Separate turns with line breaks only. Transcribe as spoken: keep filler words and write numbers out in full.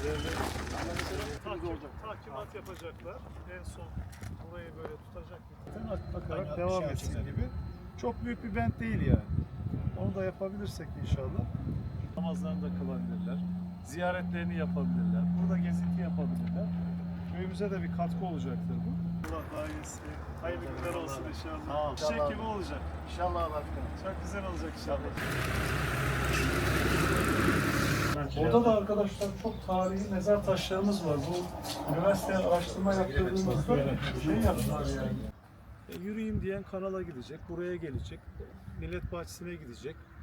Takip, takimat yapacaklar. En son burayı böyle tutacak. Bakarak devam etsin gibi. Çok büyük bir bent değil yani. Onu da yapabilirsek inşallah. Namazlarını da kılabilirler. Ziyaretlerini yapabilirler. Burada gezinti yapabilirler. Köyümüze de bir katkı olacaktır bu. Allah daha iyisi. Hayırlı günler olsun inşallah.
Sağ ol.
Çiçek gibi olacak.
İnşallah başkanım.
Çok güzel olacak inşallah. Burada da arkadaşlar çok tarihi mezar taşlarımız var. Bu üniversiteye araştırma yaptırdığımızda şey yaptılar yani. E, yürüyeyim diyen kanala gidecek, buraya gelecek, millet bahçesine gidecek.